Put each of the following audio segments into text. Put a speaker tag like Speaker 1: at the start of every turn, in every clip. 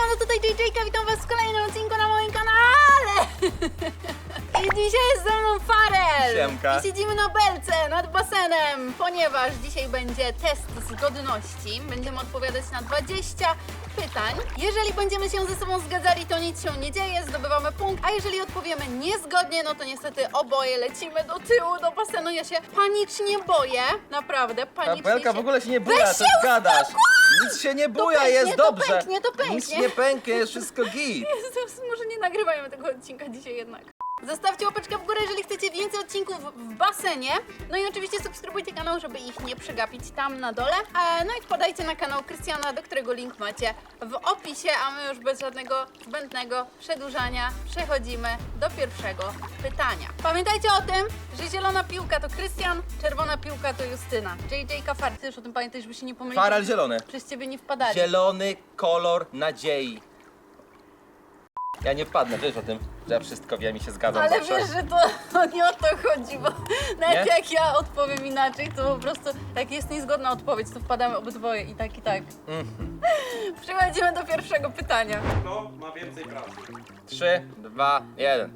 Speaker 1: Siemano, tutaj JJ-ka, witam was w kolejnym odcinku na moim kanale! I dzisiaj jest ze mną Farel!
Speaker 2: Siemka.
Speaker 1: I siedzimy na belce nad basenem, ponieważ dzisiaj będzie test zgodności. Będziemy odpowiadać na 20 pytań. Jeżeli będziemy się ze sobą zgadzali, to nic się nie dzieje, zdobywamy punkt, a jeżeli odpowiemy niezgodnie, no to niestety oboje lecimy do tyłu, do basenu. Ja się panicznie boję, naprawdę, panicznie
Speaker 2: Belka
Speaker 1: się...
Speaker 2: w ogóle się nie buja,
Speaker 1: Weź
Speaker 2: co
Speaker 1: się
Speaker 2: gadasz.
Speaker 1: uspokój!
Speaker 2: Nic się nie buja,
Speaker 1: pęknie,
Speaker 2: jest
Speaker 1: to
Speaker 2: dobrze.
Speaker 1: pęknie, to pęknie.
Speaker 2: Nic nie pęknie, jest wszystko git.
Speaker 1: Jezus, może nie nagrywajmy tego odcinka dzisiaj jednak. Zostawcie łapeczkę w górę, jeżeli chcecie więcej odcinków w basenie. No i oczywiście subskrybujcie kanał, żeby ich nie przegapić tam na dole. No i wpadajcie na kanał Krystiana, do którego link macie w opisie, a my już bez żadnego zbędnego przedłużania przechodzimy do pierwszego pytania. Pamiętajcie o tym, że zielona piłka to Krystian, czerwona piłka to Justyna. JJ-ka Far, ty już o tym pamiętaj, żeby się nie pomylić.
Speaker 2: Farel zielony.
Speaker 1: Przez ciebie nie wpadali.
Speaker 2: Zielony kolor nadziei. Ja nie wpadnę, wiesz o tym, że ja wszystko wiem i się zgadzam
Speaker 1: Ale
Speaker 2: zawsze.
Speaker 1: wiesz, że to nie o to chodzi, bo nawet
Speaker 2: Nie?
Speaker 1: jak ja odpowiem inaczej, to po prostu jak jest niezgodna odpowiedź, to wpadamy obydwoje i tak, i tak. Przechodzimy do pierwszego pytania.
Speaker 3: Kto ma więcej pracy?
Speaker 2: 3, 2, 1.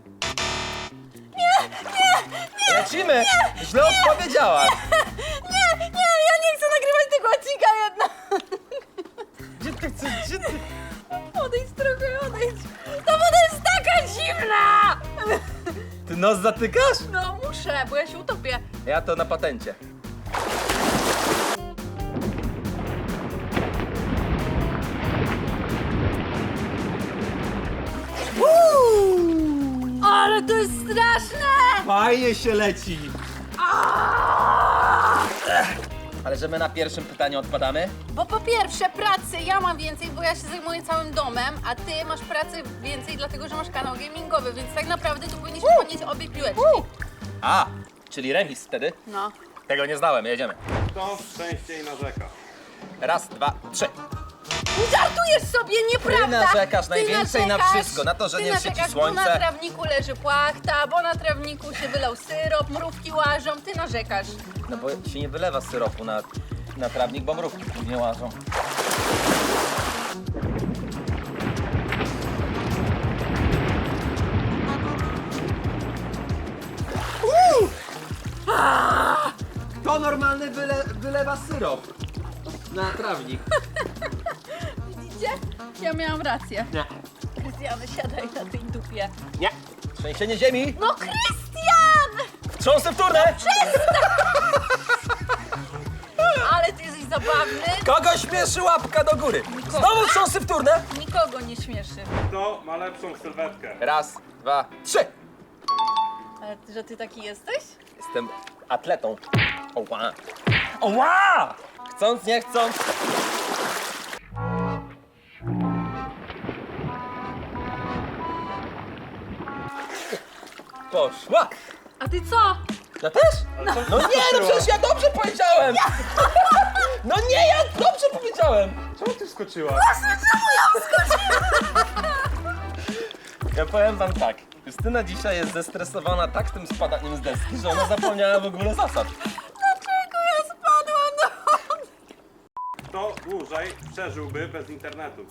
Speaker 2: Nie! Lecimy! Źle odpowiedziałaś.
Speaker 1: Nie, ja nie chcę nagrywać tego odcinka jednak.
Speaker 2: Gdzie ty chcesz, gdzie ty?
Speaker 1: Odejdź trochę, odejdź. Ta woda jest taka zimna!
Speaker 2: Ty nos zatykasz?
Speaker 1: No muszę, bo ja się utopię.
Speaker 2: Ja to na patencie.
Speaker 1: Ale to jest straszne!
Speaker 2: Fajnie się leci. Ale że my na pierwszym pytaniu odpadamy?
Speaker 1: Bo po pierwsze pracy ja mam więcej, bo ja się zajmuję całym domem, a ty masz pracy więcej dlatego, że masz kanał gamingowy, więc tak naprawdę tu powinniśmy podnieść obie piłeczki.
Speaker 2: A, czyli remis wtedy?
Speaker 1: No.
Speaker 2: Tego nie znałem, jedziemy.
Speaker 3: Kto częściej narzeka?
Speaker 2: Raz, dwa, trzy.
Speaker 1: Żartujesz sobie, nieprawda!
Speaker 2: Ty narzekasz najwięcej na wszystko, na to, że
Speaker 1: ty
Speaker 2: nie świeci
Speaker 1: narzekasz,
Speaker 2: słońce.
Speaker 1: bo na trawniku leży płachta, bo na trawniku się wylał syrop, mrówki łażą, ty narzekasz.
Speaker 2: No bo się nie wylewa syropu na trawnik, bo mrówki nie łażą. Kto normalny wylewa syrop na trawnik?
Speaker 1: Widzicie? Ja miałam rację.
Speaker 2: Nie.
Speaker 1: Krystian, siadaj na tej dupie.
Speaker 2: Nie. Trzęsienie ziemi.
Speaker 1: No Krystian!
Speaker 2: Wstrząsy wtórne.
Speaker 1: Ale ty jesteś zabawny.
Speaker 2: Kogo śmieszy łapka do góry? Znowu wstrząsy wtórne.
Speaker 1: Nikogo nie śmieszy.
Speaker 3: Kto ma lepszą sylwetkę?
Speaker 2: Raz, dwa, trzy.
Speaker 1: Ale że ty taki jesteś?
Speaker 2: Jestem atletą. Oła! Oła! Chcąc, nie chcąc. Poszła!
Speaker 1: A ty co?
Speaker 2: Ja też? No nie, no przecież ja dobrze powiedziałem! No nie, ja dobrze powiedziałem!
Speaker 3: Czemu ty wskoczyłaś?
Speaker 2: Ja powiem wam tak. Justyna dzisiaj jest zestresowana tak tym spadaniem z deski, że ona zapomniała w ogóle zasad.
Speaker 1: Dlaczego ja spadłam do wody?
Speaker 3: Kto dłużej przeżyłby bez internetu?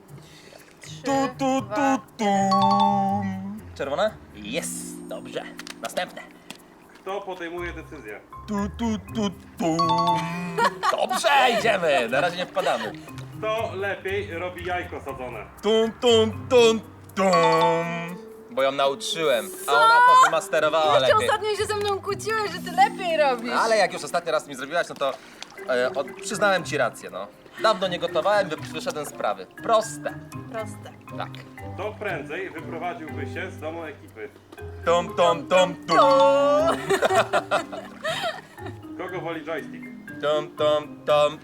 Speaker 2: Tu. Czerwona? Jest, dobrze. Następne.
Speaker 3: Kto podejmuje decyzję?
Speaker 2: Tu. Dobrze, idziemy. Na razie nie wpadamy.
Speaker 3: Kto lepiej robi jajko sadzone?
Speaker 2: Tum. Bo ją nauczyłem, a ona to wymasterowała
Speaker 1: Jeszcze
Speaker 2: lepiej.
Speaker 1: ostatnio się ze mną kłóciłeś, że ty lepiej robisz.
Speaker 2: Ale jak już ostatni raz mi zrobiłaś, no to przyznałem ci rację, no. Dawno nie gotowałem, wyszedłem z sprawy. Proste.
Speaker 1: Proste.
Speaker 2: Tak.
Speaker 3: Kto prędzej wyprowadziłby się z domu ekipy?
Speaker 2: Tum.
Speaker 3: Kogo woli joystick?
Speaker 2: Tum.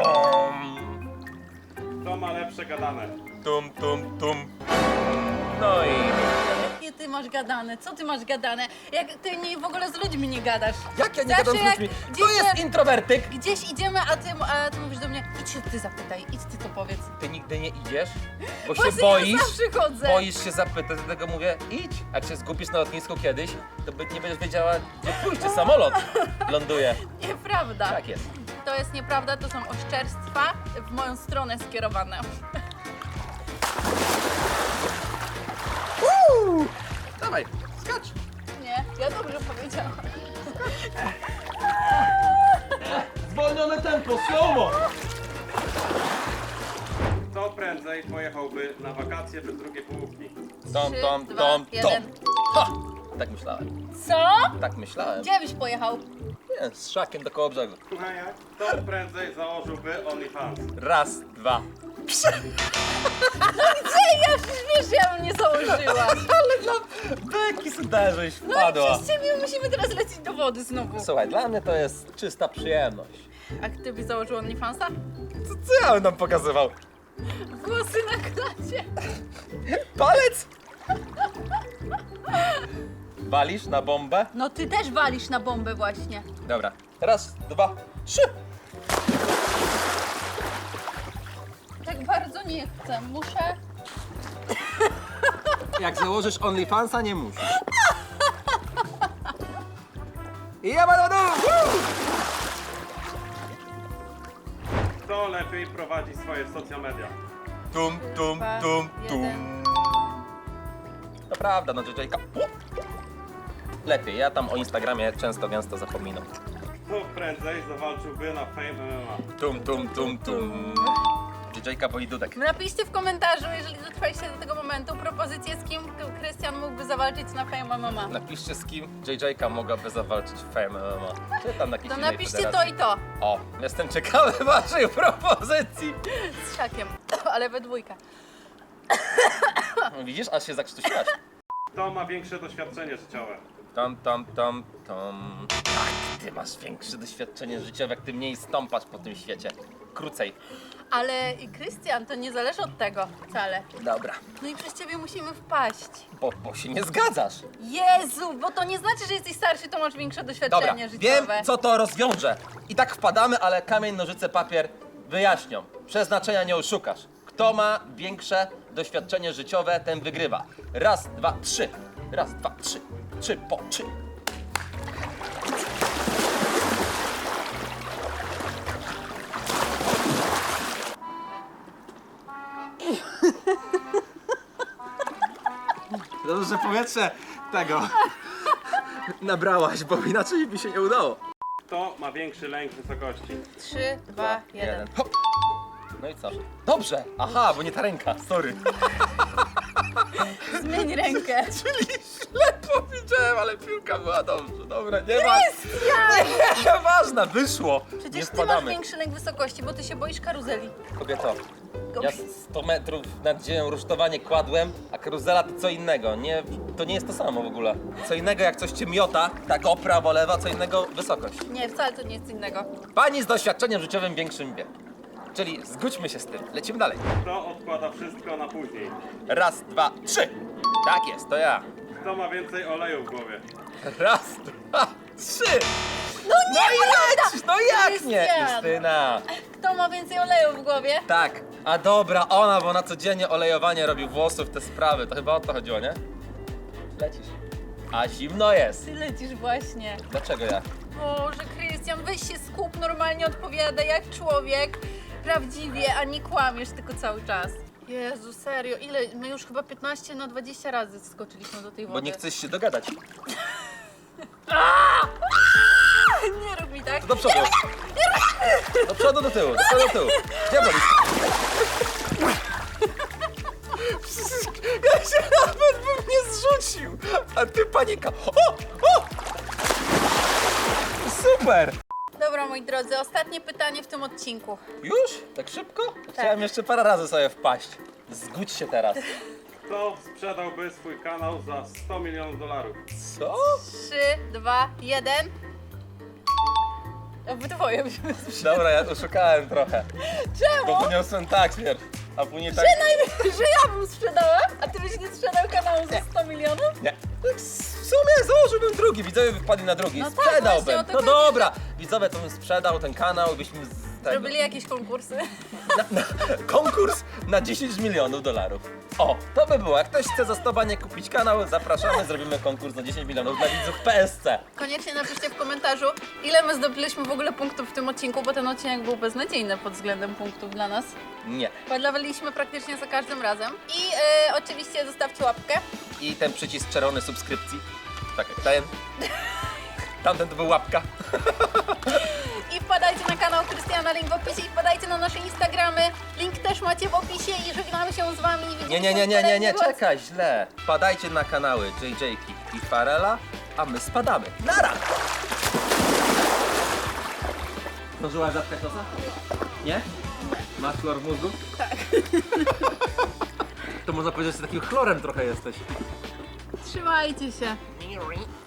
Speaker 3: Kto ma lepsze gadane?
Speaker 2: Tum. No i...
Speaker 1: Jakie ty masz gadane? Co ty masz gadane? Jak ty nie, w ogóle z ludźmi nie gadasz.
Speaker 2: Jak ja nie
Speaker 1: Zawsze
Speaker 2: gadam z
Speaker 1: jak
Speaker 2: ludźmi?
Speaker 1: gdzieś
Speaker 2: To jest introwertyk.
Speaker 1: Gdzieś idziemy, a ty mówisz do mnie, idź się ty zapytaj, idź ty to powiedz.
Speaker 2: Ty nigdy nie idziesz, bo się
Speaker 1: Właśnie
Speaker 2: boisz.
Speaker 1: ja zawsze chodzę.
Speaker 2: Boisz się zapytać, dlatego mówię, idź. Jak się zgubisz na lotnisku kiedyś, to nie będziesz wiedziała, gdzie pójść, czy samolot ląduje.
Speaker 1: Nieprawda.
Speaker 2: Tak jest.
Speaker 1: To jest nieprawda, to są oszczerstwa w moją stronę skierowane.
Speaker 2: Dawaj, skacz.
Speaker 1: Nie, ja dobrze powiedziałam.
Speaker 2: Zwolnione tempo, slow-mo.
Speaker 3: Kto prędzej pojechałby na wakacje bez drugiej połówki?
Speaker 2: Tom,
Speaker 1: 3,
Speaker 2: tom,
Speaker 1: 2,
Speaker 2: tom, tom.
Speaker 1: 1.
Speaker 2: Ha! Tak myślałem,
Speaker 1: Co?
Speaker 2: tak myślałem.
Speaker 1: Gdzie byś pojechał?
Speaker 2: Nie, z szakiem do koło brzegu.
Speaker 3: Kto prędzej założyłby OnlyFans?
Speaker 2: Raz, dwa.
Speaker 1: Gdzie? Ja przecież wiesz, ja bym nie założyła.
Speaker 2: Ale dla beki sobie żeś
Speaker 1: No i
Speaker 2: wpadła.
Speaker 1: przez ciebie musimy teraz lecieć do wody znowu.
Speaker 2: Słuchaj, dla mnie to jest czysta przyjemność.
Speaker 1: A ty byś założył OnlyFansa?
Speaker 2: Co ja bym nam pokazywał?
Speaker 1: Włosy na klacie.
Speaker 2: Palec? Walisz na bombę?
Speaker 1: No ty też walisz na bombę właśnie.
Speaker 2: Dobra. Raz, dwa, trzy.
Speaker 1: Tak bardzo nie chcę, muszę...
Speaker 2: Jak założysz OnlyFansa, nie musisz. I ja będę
Speaker 3: Kto lepiej prowadzi swoje social media?
Speaker 2: Tum, tum,
Speaker 1: Dwa,
Speaker 2: tum, tum.
Speaker 1: jeden.
Speaker 2: To prawda, no JJ-ka. Lepiej, ja tam o Instagramie często, gęsto zapominam.
Speaker 3: Kto prędzej zawalczyłby na Fame MMA?
Speaker 2: Tum, tum, tum, tum. JJ-ka boi dudek.
Speaker 1: Napiszcie w komentarzu, jeżeli dotrwaliście do tego momentu, propozycję, z kim Krystian mógłby zawalczyć na Fame MMA.
Speaker 2: Napiszcie, z kim JJ-ka mogłaby zawalczyć w Fame MMA. Czy tam na jakiejś
Speaker 1: To
Speaker 2: innej
Speaker 1: napiszcie
Speaker 2: federacji.
Speaker 1: to i to.
Speaker 2: O, jestem ciekawy waszej propozycji.
Speaker 1: Z szakiem, ale we dwójkę.
Speaker 2: Widzisz, aż się zakrztusiłaś.
Speaker 3: Kto ma większe doświadczenie życiowe?
Speaker 2: Tam, tam, tam, tam. Tak, ty masz większe doświadczenie życiowe, jak ty mniej stąpasz po tym świecie. Krócej.
Speaker 1: Ale i Krystian, to nie zależy od tego wcale.
Speaker 2: Dobra.
Speaker 1: No i przez ciebie musimy wpaść.
Speaker 2: Bo się nie zgadzasz.
Speaker 1: Jezu, bo to nie znaczy, że jesteś starszy, to masz większe
Speaker 2: Dobra,
Speaker 1: doświadczenie
Speaker 2: wiem,
Speaker 1: życiowe.
Speaker 2: co to rozwiąże. I tak wpadamy, ale kamień, nożyce, papier wyjaśnią. Przeznaczenia nie oszukasz. Kto ma większe doświadczenie życiowe, ten wygrywa. Raz, dwa, trzy. Raz, dwa, trzy. Trzy po trzy. Dobrze, że powietrze tego nabrałaś, bo inaczej mi się nie udało.
Speaker 3: Kto ma większy lęk wysokości?
Speaker 1: 3, 2, 1.
Speaker 2: Hop. No i co? Dobrze! Aha, bo nie ta ręka, sorry.
Speaker 1: Zmień rękę.
Speaker 2: Czyli źle powiedziałem, ale piłka była dobrze. Dobra, nie ma. Nie, ważna, wyszło. nie
Speaker 1: Przecież ty masz
Speaker 2: spadamy.
Speaker 1: większy lęk wysokości, bo ty się boisz karuzeli.
Speaker 2: Kobieto, ja 100 metrów nad ziemią rusztowanie kładłem, a karuzela to co innego. Nie, to nie jest to samo w ogóle. Co innego jak coś cię miota, tak o prawo, lewa, co innego wysokość.
Speaker 1: Nie, wcale to nie jest innego.
Speaker 2: Pani z doświadczeniem życiowym większym wie. Czyli zgódźmy się z tym. Lecimy dalej.
Speaker 3: Kto odkłada wszystko na później?
Speaker 2: Raz, dwa, trzy. Tak jest, to ja.
Speaker 3: Kto ma więcej oleju w głowie?
Speaker 2: Raz, dwa, trzy.
Speaker 1: No nie,
Speaker 2: No i
Speaker 1: prawda!
Speaker 2: lecisz, no jak nie,
Speaker 1: Krystian!
Speaker 2: Justyna?
Speaker 1: Kto ma więcej oleju w głowie?
Speaker 2: Tak, a dobra, ona, bo na codziennie olejowanie robi włosów, te sprawy, to chyba o to chodziło, nie? Lecisz. A zimno jest.
Speaker 1: Ty lecisz właśnie.
Speaker 2: Dlaczego ja?
Speaker 1: Boże, Krystian, weź się skup, normalnie odpowiadaj jak człowiek. Prawdziwie, a nie kłamiesz tylko cały czas. Jezu, serio, ile? My już chyba 15 na 20 razy skoczyliśmy do tej wody.
Speaker 2: Bo nie chcesz się dogadać.
Speaker 1: Nie rób mi tak.
Speaker 2: To do przodu. Do przodu, do tyłu, do przodu, do tyłu. Gdzie wolisz? Ja się nawet bym nie zrzucił, a ty panika. O! O! Super!
Speaker 1: Dobra, moi drodzy, ostatnie pytanie w tym odcinku.
Speaker 2: Już? Tak szybko? Chciałem jeszcze parę razy sobie wpaść. Zgódź się teraz.
Speaker 3: Kto sprzedałby swój kanał za $100 milionów?
Speaker 2: Co?
Speaker 1: 3, 2, 1. Obydwoje byśmy sprzedali.
Speaker 2: Dobra, ja oszukałem trochę.
Speaker 1: Czemu?
Speaker 2: Bo podniosłem tak pierw, a później tak...
Speaker 1: Że ja bym sprzedała, a ty byś nie sprzedał kanału za 100 milionów?
Speaker 2: Nie. W sumie założyłbym drugi, widzowie by wpadli na drugi.
Speaker 1: No tak,
Speaker 2: Sprzedałbym.
Speaker 1: właśnie o to
Speaker 2: No
Speaker 1: chodzi.
Speaker 2: dobra, widzowie to bym sprzedał ten kanał, byśmy tego.
Speaker 1: Robili jakieś konkursy.
Speaker 2: Konkurs na 10 milionów dolarów. O, to by było. Jak ktoś chce za 100 baniek kupić kanał, zapraszamy, zrobimy konkurs na 10 milionów dla widzów PSC.
Speaker 1: Koniecznie napiszcie w komentarzu, ile my zdobyliśmy w ogóle punktów w tym odcinku, bo ten odcinek był beznadziejny pod względem punktów dla nas.
Speaker 2: Nie.
Speaker 1: Podlawiliśmy praktycznie za każdym razem. I oczywiście zostawcie łapkę.
Speaker 2: I ten przycisk czerwony subskrypcji. Tak jak ten. Tamten to był łapka.
Speaker 1: I wpadajcie na kanał Krystiana, link w opisie. I wpadajcie na nasze Instagramy, link też macie w opisie. I żegnamy się z wami. Widzimy się w
Speaker 2: Nie,
Speaker 1: kolejnym odcinku.
Speaker 2: czekaj, źle. Wpadajcie na kanały JJ i Farela, a my spadamy. Nara! Zdążyłaś zatkać nosa? Nie? Masz chlor w mózgu?
Speaker 1: Tak.
Speaker 2: To można powiedzieć, że takim chlorem trochę jesteś.
Speaker 1: Trzymajcie się.